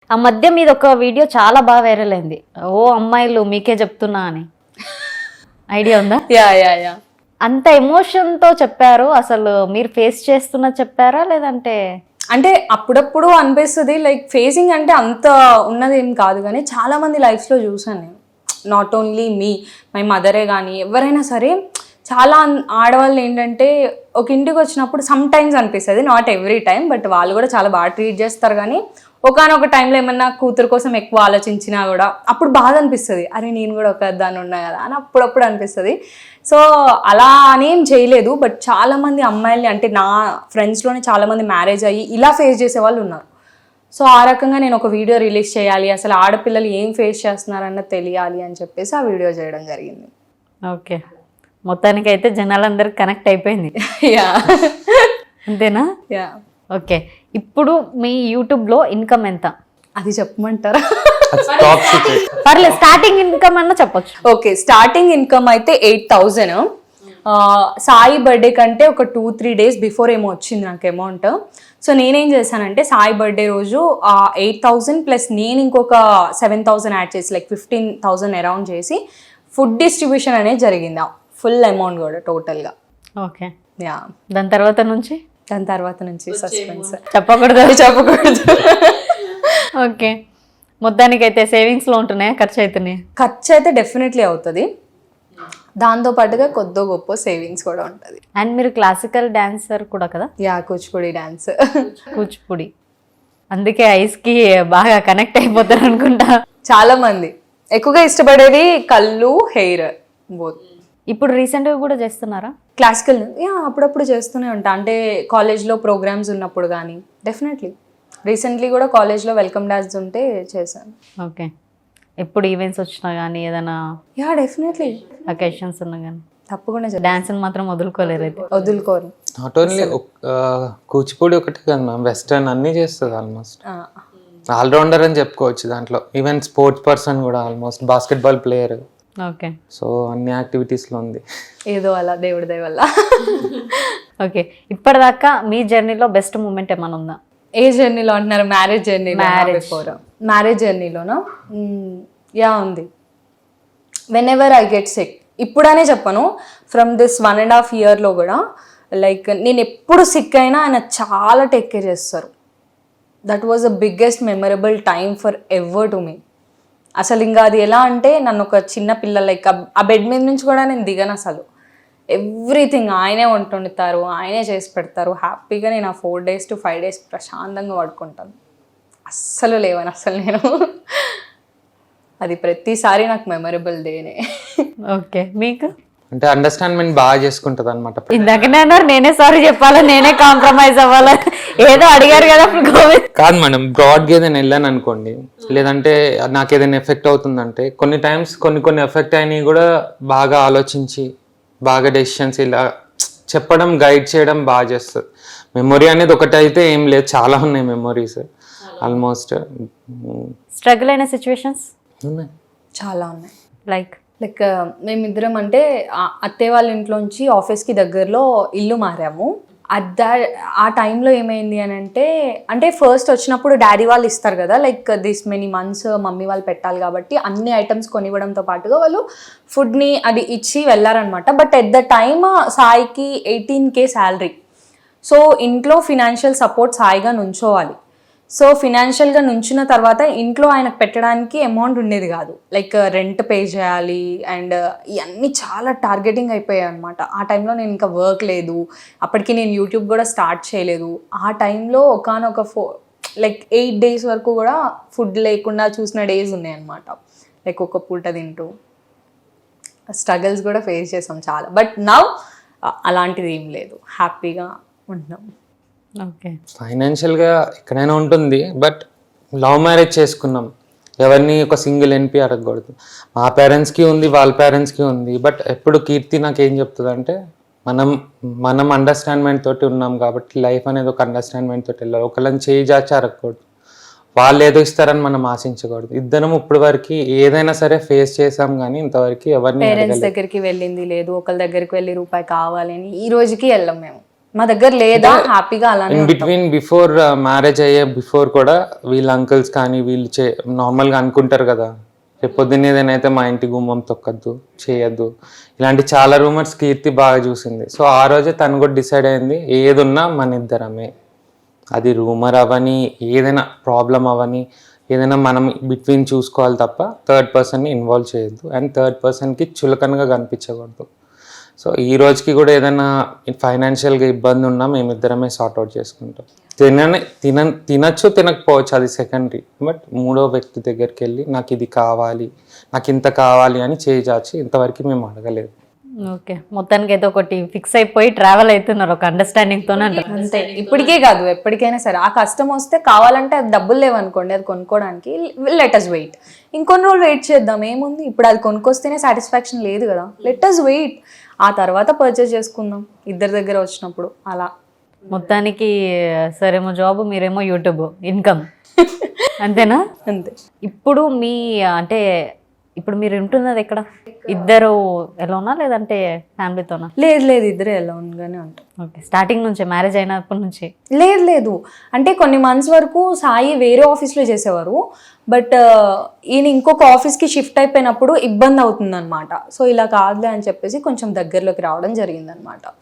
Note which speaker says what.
Speaker 1: ఆ మధ్య మీద ఒక వీడియో చాలా బాగా వైరల్ అయింది. ఓ అమ్మాయిలు మీకే చెప్తున్నా అని. ఐడియా ఉందా?
Speaker 2: యా
Speaker 1: అంత ఎమోషన్తో చెప్పారు. అసలు మీరు ఫేస్ చేస్తున్నా చెప్పారా లేదంటే?
Speaker 2: అంటే అప్పుడప్పుడు అనిపిస్తుంది లైక్ ఫేసింగ్ అంటే అంత ఉన్నది ఏం కాదు, కానీ చాలా మంది లైఫ్లో చూసాను నేను. నాట్ ఓన్లీ మీ మై మదరే కానీ ఎవరైనా సరే, చాలా ఆడవాళ్ళు ఏంటంటే ఒక ఇంటికి వచ్చినప్పుడు సమ్ టైమ్స్ అనిపిస్తుంది, నాట్ ఎవ్రీ టైం, బట్ వాళ్ళు కూడా చాలా బాగా ట్రీట్ చేస్తారు. కానీ ఒకనొక టైంలో ఏమన్నా కూతురు కోసం ఎక్కువ ఆలోచించినా కూడా అప్పుడు బాధ అనిపిస్తుంది, అరే నేను కూడా ఒక దాన్ని ఉన్నా కదా అని అప్పుడప్పుడు అనిపిస్తుంది. సో అలా అనేం చేయలేదు, బట్ చాలామంది అమ్మాయిల్ని అంటే నా ఫ్రెండ్స్లోనే చాలామంది మ్యారేజ్ అయ్యి ఇలా ఫేస్ చేసే వాళ్ళు ఉన్నారు. సో ఆ రకంగా నేను ఒక వీడియో రిలీజ్ చేయాలి, అసలు ఆడపిల్లలు ఏం ఫేస్ చేస్తున్నారన్నది తెలియాలి అని చెప్పేసి ఆ వీడియో చేయడం జరిగింది.
Speaker 1: ఓకే, మొత్తానికి అయితే జనాలందరికి కనెక్ట్ అయిపోయింది.
Speaker 2: యా
Speaker 1: అంతేనా?
Speaker 2: యా.
Speaker 1: ఓకే, ఇప్పుడు మీ యూట్యూబ్లో ఇన్కమ్ ఎంత?
Speaker 2: అది చెప్పమంటారా?
Speaker 1: పర్లేదు, స్టార్టింగ్ ఇన్కమ్ అన్నా చెప్పొచ్చు.
Speaker 2: ఓకే, స్టార్టింగ్ ఇన్కమ్ అయితే 8,000. సాయి బర్త్డే కంటే ఒక 2-3 days బిఫోర్ ఏమో వచ్చింది నాకు అమౌంట్. సో నేనేం చేశానంటే సాయి బర్త్డే రోజు 8,000 ప్లస్ నేను ఇంకొక 7,000 యాడ్ చేసి లైక్ 15,000 అరౌండ్ చేసి ఫుడ్ డిస్ట్రిబ్యూషన్ అనేది జరిగింది, ఫుల్ అమౌంట్ కూడా టోటల్గా.
Speaker 1: Okay,
Speaker 2: yeah.
Speaker 1: దాని తర్వాత నుంచి
Speaker 2: సస్పెన్స్
Speaker 1: చెప్పకూడదు. ఓకే, మొత్తానికి అయితే సేవింగ్స్లో ఉంటున్నాయా, ఖర్చు అవుతున్నాయి?
Speaker 2: ఖర్చు అయితే డెఫినెట్లీ అవుతుంది, దాంతో పాటుగా కొద్ది గొప్ప సేవింగ్స్ కూడా ఉంటుంది.
Speaker 1: అండ్ మీరు క్లాసికల్ డాన్సర్ కూడా కదా?
Speaker 2: Yeah, Kuchipudi dance.
Speaker 1: కూచిపూడి, అందుకే ఐస్కి బాగా కనెక్ట్ అయిపోతారు అనుకుంటా.
Speaker 2: చాలా మంది ఎక్కువగా ఇష్టపడేది కళ్ళు, హెయిర్ బోత్.
Speaker 1: ఇప్పుడు రీసెంట్గా కూడా చేస్తున్నారా
Speaker 2: క్లాసికల్? యా, అప్పుడప్పుడు చేస్తూనే ఉంటా, అంటే కాలేజ్లో ప్రోగ్రామ్స్ ఉన్నప్పుడు కానీ. డెఫినెట్లీ రీసెంట్లీ కూడా కాలేజ్లో వెల్కమ్ డాన్స్ ఉంటే చేశాను.
Speaker 1: ఓకే, ఎప్పుడు ఈవెంట్స్ వచ్చినా కానీ ఏదైనా?
Speaker 2: యా, డెఫినెట్లీ
Speaker 1: అకేషన్స్ ఉన్నా కానీ
Speaker 2: తప్పకుండా
Speaker 1: డాన్స్ మాత్రం వదులుకోలేరు అయితే?
Speaker 2: వదులుకోరు.
Speaker 3: నాట్ ఓన్లీ కూచిపూడి ఒకటే కదా మ్యామ్, వెస్టర్న్ అన్నీ చేస్తుంది ఆల్మోస్ట్. ఆల్రౌండర్ అని చెప్పుకోవచ్చు దాంట్లో. ఈవెన్ స్పోర్ట్స్ పర్సన్ కూడా, almost basketball player.
Speaker 1: Okay,
Speaker 3: so అన్ని యాక్టివిటీస్లో ఉంది
Speaker 2: ఏదో అలా దేవుడి దయ వల్ల.
Speaker 1: ఓకే, ఇప్పటిదాకా మీ జర్నీలో బెస్ట్ మూమెంట్ ఏమైనా ఉందా?
Speaker 2: ఏ జర్నీలో అంటున్నారు? Marriage journey? మ్యారేజ్ జర్నీలోనా? యా, ఉంది. Whenever I get sick, ఇప్పుడనే చెప్పను, ఫ్రమ్ దిస్ 1.5 yearలో కూడా లైక్ నేను ఎప్పుడు సిక్ అయినా ఆయన చాలా టేక్ కేర్ చేస్తారు. That was the biggest memorable time forever to me. అసలు ఇంకా అది ఎలా అంటే నన్ను ఒక చిన్న పిల్ల లైక్ ఆ బెడ్ మీద నుంచి కూడా నేను దిగను అసలు. ఎవ్రీథింగ్ ఆయనే వండుతారు, ఆయనే చేసి పెడతారు. హ్యాపీగా నేను ఆ 4 days to 5 days ప్రశాంతంగా పడుకుంటాను, అస్సలు లేవని అసలు నేను. అది ప్రతిసారి నాకు మెమరబుల్ డేనే.
Speaker 1: ఓకే, మీకు?
Speaker 3: అంటే అండర్స్టాండ్మెంట్ బాగా చేసుకుంటుంది అనమాట.
Speaker 1: ఇందాకనే అన్నారు నేనే సారీ చెప్పాలా, నేనే కాంప్రమైజ్ అవ్వాలా, ఏదో అడిగారు కదా.
Speaker 3: కాదు మేడం, బ్రాడ్గా ఏదైనా వెళ్ళాను అనుకోండి, లేదంటే నాకు ఏదైనా ఎఫెక్ట్ అవుతుందంటే కొన్ని టైమ్స్ కొన్ని ఎఫెక్ట్ అయినవి కూడా బాగా ఆలోచించి బాగా డెసిషన్స్ ఇలా చెప్పడం, గైడ్ చేయడం బాగా చేస్తుంది. మెమొరీ అనేది ఒకటి అయితే ఏం లేదు, చాలా ఉన్నాయి మెమొరీస్. ఆల్మోస్ట్
Speaker 1: స్ట్రగుల్ అయిన సిచ్యువేషన్స్
Speaker 3: ఉన్నాయి,
Speaker 2: చాలా ఉన్నాయి.
Speaker 1: లైక్
Speaker 2: మేమిద్దరం అంటే అత్తయ్య వాళ్ళ ఇంట్లోంచి ఆఫీస్కి దగ్గరలో ఇల్లు మారాము. ఆ టైంలో ఏమైంది అని అంటే ఫస్ట్ వచ్చినప్పుడు డాడీ వాళ్ళు ఇస్తారు కదా, like this many months mummy వాళ్ళు పెట్టాలి కాబట్టి అన్ని ఐటమ్స్ కొనివ్వడంతో పాటుగా వాళ్ళు ఫుడ్ని అది ఇచ్చి వెళ్ళారనమాట. బట్ ఎట్ ద టైమ్ సాయికి 18K శాలరీ. సో ఇంట్లో ఫినాన్షియల్ సపోర్ట్ సాయిగా నుంచోవాలి. సో ఫినాన్షియల్గా నుంచిన తర్వాత ఇంట్లో ఆయనకు పెట్టడానికి అమౌంట్ ఉండేది కాదు, లైక్ రెంట్ పే చేయాలి అండ్ ఇవన్నీ చాలా టార్గెటింగ్ అయిపోయాయి అనమాట. ఆ టైంలో నేను ఇంకా వర్క్ లేదు, అప్పటికి నేను యూట్యూబ్ కూడా స్టార్ట్ చేయలేదు. ఆ టైంలో ఒకనొక 8 days వరకు కూడా ఫుడ్ లేకుండా చూసిన డేస్ ఉన్నాయన్నమాట, లైక్ ఒక పూట తింటూ. స్ట్రగల్స్ కూడా ఫేస్ చేసాం చాలా, బట్ నౌ అలాంటిది ఏం లేదు, హ్యాపీగా ఉంటున్నాం.
Speaker 1: ఓకే,
Speaker 3: ఫైనాన్షియల్గా ఎక్కడైనా ఉంటుంది, బట్ లవ్ మ్యారేజ్ చేసుకున్నాం, ఎవరిని ఒక సింగిల్ ఎన్పి అడగకూడదు. మా పేరెంట్స్కి ఉంది, వాళ్ళ పేరెంట్స్కి ఉంది. బట్ ఎప్పుడు కీర్తి నాకు ఏం చెప్తుంది అంటే మనం అండర్స్టాండ్మెంట్ తోటి ఉన్నాం కాబట్టి లైఫ్ అనేది ఒక అండర్స్టాండ్మెంట్ తోటి వెళ్ళాలి. ఒకళ్ళని చేయి జాచి అడగకూడదు, వాళ్ళు ఏదో ఇస్తారని మనం ఆశించకూడదు. ఇద్దరం ఇప్పుడు వరకు ఏదైనా సరే ఫేస్ చేసాం, కానీ ఇంతవరకు ఎవరిని
Speaker 2: పేరెంట్స్ దగ్గరికి వెళ్ళింది లేదు, ఒకళ్ళ దగ్గరికి వెళ్ళి రూపాయి కావాలని ఈ రోజుకి వెళ్ళాం మేము. మా దగ్గర లేదా హ్యాపీగా అలానే
Speaker 3: ఇన్ బిట్వీన్ బిఫోర్ మ్యారేజ్ అయ్యే బిఫోర్ కూడా వీళ్ళ అంకుల్స్ కానీ వీళ్ళు నార్మల్గా అనుకుంటారు కదా, రేపు పొద్దున్న ఏదైనా అయితే మా ఇంటి గుమ్మం తొక్కద్దు, చేయొద్దు, ఇలాంటి చాలా రూమర్స్ కీర్తి బాగా చూసింది. సో ఆ రోజే తను కూడా డిసైడ్ అయింది, ఏదున్నా మన ఇద్దరమే, అది రూమర్ అవని, ఏదైనా ప్రాబ్లం అవని, ఏదైనా మనం బిట్వీన్ చూసుకోవాలి తప్ప థర్డ్ పర్సన్ని ఇన్వాల్వ్ చేయొద్దు అండ్ థర్డ్ పర్సన్కి చులకనగా కనిపించకూడదు. సో ఈ రోజుకి కూడా ఏదైనా ఫైనాన్షియల్గా ఇబ్బంది ఉన్నా మేమిద్దరమే సార్ట్అవుట్ చేసుకుంటాం. తినచ్చు తినకపోవచ్చు, అది సెకండరీ. బట్ మూడో వ్యక్తి దగ్గరికి వెళ్ళి నాకు ఇది కావాలి, నాకు ఇంత కావాలి అని చేయి ఇంతవరకు మేము అడగలేదు.
Speaker 1: ఓకే, మొత్తానికి అయితే ఒకటి ఫిక్స్ అయిపోయి ట్రావెల్ అవుతున్నారు ఒక అండర్స్టాండింగ్తోనే అంటారు.
Speaker 2: అంతే, ఇప్పటికే కాదు ఎప్పటికైనా సరే. ఆ కష్టం వస్తే కావాలంటే అది డబ్బులు లేవనుకోండి, అది కొనుక్కోవడానికి లెట్ అస్ వెయిట్, ఇంకొన్ని రోజులు వెయిట్ చేద్దాం, ఏముంది. ఇప్పుడు అది కొనుక్కొస్తేనే సాటిస్ఫాక్షన్ లేదు కదా, లెట్ అస్ వెయిట్, ఆ తర్వాత పర్చేస్ చేసుకుందాం ఇద్దరి దగ్గర వచ్చినప్పుడు. అలా
Speaker 1: మొత్తానికి సరేమో జాబ్, మీరేమో యూట్యూబ్ ఇన్కమ్, అంతేనా?
Speaker 2: అంతే.
Speaker 1: ఇప్పుడు మీ అంటే ఇప్పుడు మీరు ఉంటున్నది ఎక్కడ? ఇద్దరు ఎలానా లేదంటే ఫ్యామిలీతోనా?
Speaker 2: లేదు ఇద్దరే ఎలాగానే ఉంటాం.
Speaker 1: ఓకే, స్టార్టింగ్ నుంచి మ్యారేజ్ అయినప్పటి నుంచి?
Speaker 2: లేదు అంటే కొన్ని మంత్స్ వరకు సాయి వేరే ఆఫీస్లో చేసేవారు. బట్ ఈయన ఇంకొక ఆఫీస్కి షిఫ్ట్ అయిపోయినప్పుడు ఇబ్బంది అవుతుంది అనమాట. సో ఇలా కాదులే అని చెప్పేసి కొంచెం దగ్గరలోకి రావడం జరిగిందనమాట.